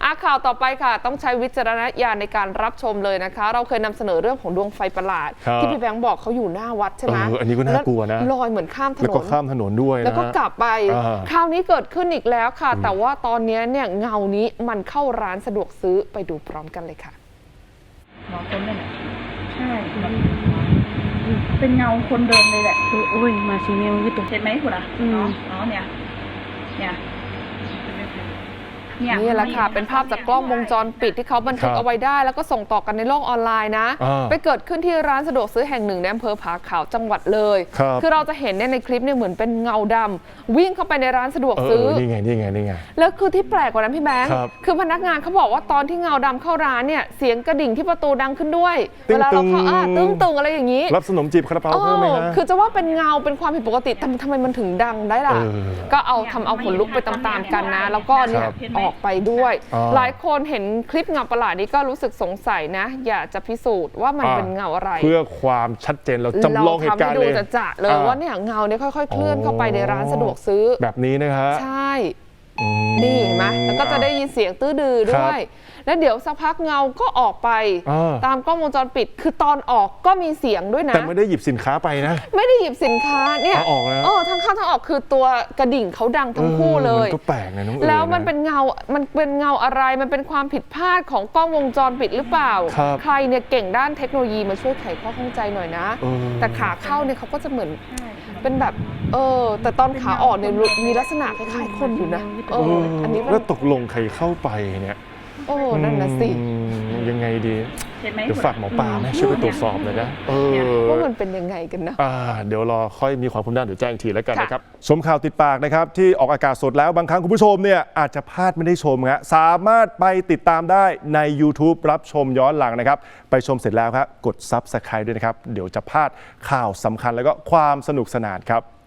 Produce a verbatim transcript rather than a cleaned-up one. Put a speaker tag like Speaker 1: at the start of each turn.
Speaker 1: อ่ะข่าวต่อไปค่ะต้องใช้วิจารณญาณในการรับชมเลยนะคะเราเคยนำเสนอเรื่องของดวงไฟประหลาดที่พี่แบงค์บอกเขาอยู่หน้าวัดใช่ไหม
Speaker 2: เอออันนี้ก็น่ากลัวนะ
Speaker 1: ลอยเหมือนข้ามถนน
Speaker 2: แล้วก็ข้ามถนนด้วยนะ
Speaker 1: แล้วก็กลับไปคราวนี้เกิดขึ้นอีกแล้วค่ะแต่ว่าตอนนี้เนี่ยเงานี้มันเข้าร้านสะดวกซื้อไปดูพร้อมกันเลยค่ะ
Speaker 3: น้องคนนั่นแหละใช่เป็นเงาคนเดินเลยแหละ
Speaker 4: คือโอ้ยมาซีเมลวิตุ
Speaker 3: เห็นไหมคุณอ่ะน้องน้องเนี่ยเนี่ย
Speaker 1: นี่แหละค่ะเป็นภาพจากกล้องวงจรปิดที่เขาบันทึกเอาไว้ได้แล้วก็ส่งต่อกันในโลกออนไลน์นะไปเกิดขึ้นที่ร้านสะดวกซื้อแห่งหนึ่งในอำเภอผาขาวจังหวัดเลยคือเราจะเห็นเนี่ยในคลิปเนี่ยเหมือนเป็นเงาดำวิ่งเข้าไปในร้านสะดวกซื้อ
Speaker 2: นี่ไงนี่ไงนี่ไง
Speaker 1: แล้วคือที่แปลกกว่านั้นพี่แบงค์คือพนักงานเขาบอกว่าตอนที่เงาดำเข้าร้านเนี่ยเสียงกระดิ่งที่ประตูดังขึ้นด้วยเวลาเราเข้าอ่ะตึ้งตึงอะไรอย่างนี้
Speaker 2: รับขนมจีบคาราเปาเพิ่มไหมฮะ
Speaker 1: คือจะว่าเป็นเงาเป็นความผิดปกติแต่ทำไมมันถึงดังได้ล่ะก็เอาทำเอาขนลุกไปตามๆกันนะแล้วก็เนี่ยออกไปด้วยหลายคนเห็นคลิปเงาประหลาดนี้ก็รู้สึกสงสัยนะอยากจะพิสูจน์ว่ามันเป็นเงาอะไร
Speaker 2: เพื่อความชัดเจนเราจำลองเหตุการณ์เลย
Speaker 1: เราทำให้ดูจะๆเลยว่าเนี่ยเงาเนี่ยค่อยๆเคลื่อนเข้าไปในร้านสะดวกซื้อ
Speaker 2: แบบนี้นะฮะ
Speaker 1: ใช่นี่เห็นไหมแล้วก็จะได้ยินเสียงตื้อดื้อด้วยแล้วเดี๋ยวสักพักเงาก็ออกไปตามกล้องวงจรปิดคือตอนออกก็มีเสียงด้วยนะ
Speaker 2: แต่ไม่ได้หยิบสินค้าไปนะ
Speaker 1: ไม่ได้หยิบสินค้าเนี่ย
Speaker 2: ออกแล้ว
Speaker 1: เออทั้งเข้าทั้งออกคือตัวกระดิ่งเขาดังทั้งคู่เลย
Speaker 2: มันก็แปลกนะน้องเอ๋ย
Speaker 1: แล้วมันเป็นเงามันเป็นเงาอะไรมันเป็นความผิดพลาดของกล้องวงจรปิดหรือเปล่าใครเนี่ยเก่งด้านเทคโนโลยีมาช่วยไขข้อข้องใจหน่อยนะแต่ขาเข้าเนี่ยเขาก็จะเหมือนเป็นแบบเออแต่ตอนขาออกเนี่ยมีลักษณะคล้ายๆคนอยู่นะเอออันนี้
Speaker 2: แล้วตกลงใครเข้าไปเนี่ย
Speaker 1: โอ้นั่นนะสิ
Speaker 2: ยังไงดีเดี๋ยวฝากหมอปลาไหมช่วยไปตรวจสอบเลยนะเออ
Speaker 1: ว่ามันเป็นยังไงกันนะ
Speaker 2: เดี๋ยวรอค่อยมีความคืบหน้าเดี๋ยวแจ้งทีแล้วกันนะครับชมข่าวติดปากนะครับที่ออกอากาศสดแล้วบางครั้งคุณผู้ชมเนี่ยอาจจะพลาดไม่ได้ชมครับสามารถไปติดตามได้ใน YouTube รับชมย้อนหลังนะครับไปชมเสร็จแล้วครับกด ซับสไครบ์ ด้วยนะครับเดี๋ยวจะพลาดข่าวสำคัญแล้วก็ความสนุกสนานครับ